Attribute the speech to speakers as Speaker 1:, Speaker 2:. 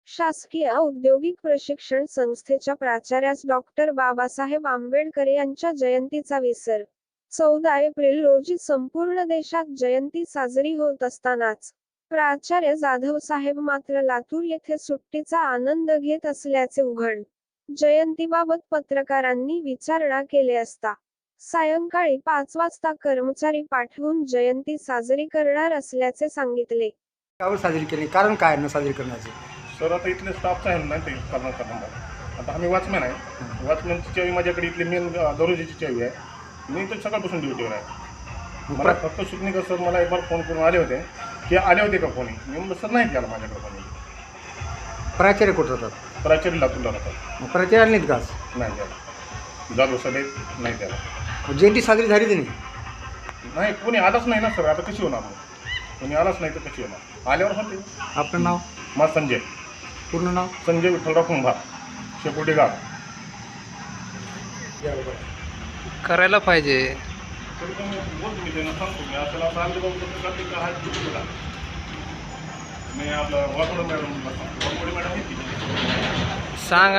Speaker 1: शासकीय औद्योगिक प्रशिक्षण संस्थेच्या प्राचार्यास डॉक्टर बाबासाहेब आंबेडकर यांच्या जयंतीचा विसर. 14 एप्रिल रोजी संपूर्ण देशात जयंती साजरी होत असतानाच प्राचार्य जाधव साहेब मात्र लातूर येथे सुट्टीचा आनंद घेत असल्याचे उघड. जयंतीबाबत पत्रकारांनी विचारणा केली असता सायंकाळी 5 वाजता कर्मचारी पाठवून जयंती साजरी करणार असल्याचे सांगितले.
Speaker 2: कावर साजरी केली, कारण काय न साजरी करण्याचे?
Speaker 3: सर आता इथले स्टाफचं आहे ना ते करणार. आता आम्ही वॉचमॅन आहे. वॉचमॅनची चावी माझ्याकडे इथली मेन दरोजीची चावी आहे. मी तर सकाळपासून ड्युटीवर आहे. मला फक्त सुटणीकर सर मला एक बार फोन करून आले होते की आले होते का कोणी. मी म्हणलं सर नाही केला माझ्याकडे कोणी.
Speaker 2: प्राचार्य कुठं राहतात?
Speaker 3: प्राचार्य लातूरला राहतात.
Speaker 2: मग प्राचार्य आले नाहीत का?
Speaker 3: नाही द्यायला जाधव सभेत नाही द्यायला.
Speaker 2: जयंती साजरी झाली त्यांनी
Speaker 3: नाही कोणी आलाच नाही ना सर. आता कशी होणार मग? कोणी आलाच नाही तर कशी होणार? आल्यावर होते.
Speaker 2: आपलं नाव?
Speaker 3: माझं संजय.
Speaker 2: पूर्ण नाव?
Speaker 3: संजय विठ्ठलराव कुंभार, शेकोटी गाव.
Speaker 4: करायला पाहिजे.
Speaker 3: तरी पण बोलतो मी त्यांना सांगतो मी आपल्याला असं आले बाबा मी आपलं वाकडं मॅडम मॅडम
Speaker 4: सांग